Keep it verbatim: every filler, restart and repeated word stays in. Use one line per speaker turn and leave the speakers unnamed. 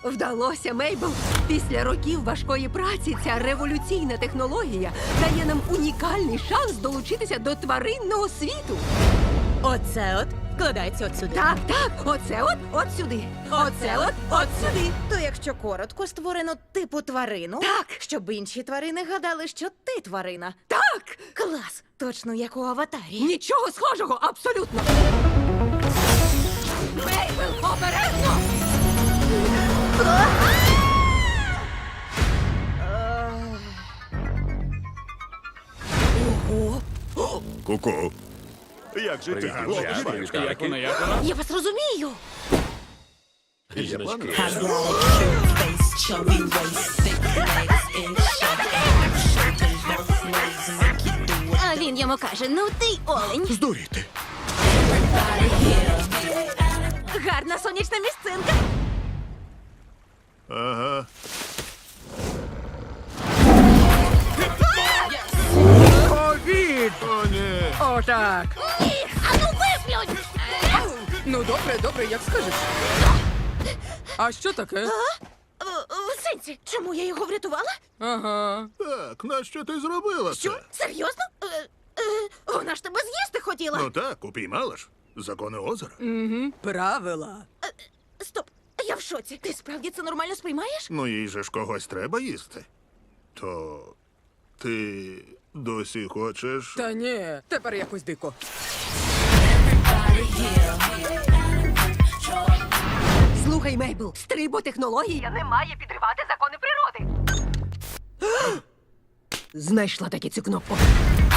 Вдалося, Мейбл. Після років важкої праці ця революційна технологія дає нам унікальний шанс долучитися до тваринного світу.
Оце от вкладається от сюди.
Так, так, оце от, от сюди. Оце от, от сюди.
То якщо коротко, створено типу тварину,
Так.
щоб інші тварини гадали, що ти тварина.
Так!
Клас! Точно як у аватарі.
Нічого схожого, абсолютно. Мейбл, обережно! Ого!
Ку-ку. Як же ти?
Як вона, як вона?
Я вас розумію.
Жіночки.
А він йому каже: ну ти олень.
Здуріти.
Гарна сонячна місцинка.
Ага.
Ковід!
О, ні.
Отак.
А ну виплюнь!
Ну, добре, добре, як скажеш. А що таке?
В сенсі, чому я його врятувала?
Ага.
Так, нащо ти зробила це?
Що? Серйозно? Е, е, вона ж тебе з'їсти хотіла.
Ну так, упіймала ж. Закони озера.
Угу. Правила.
Стоп, я в шоці. Ти справді це нормально сприймаєш?
Ну їй же ж когось треба їсти. То ти досі хочеш.
Та ні, тепер якось дико. Слухай, Мейбл, стриботехнологія не має підривати закони природи. Знайшла таки цю кнопку.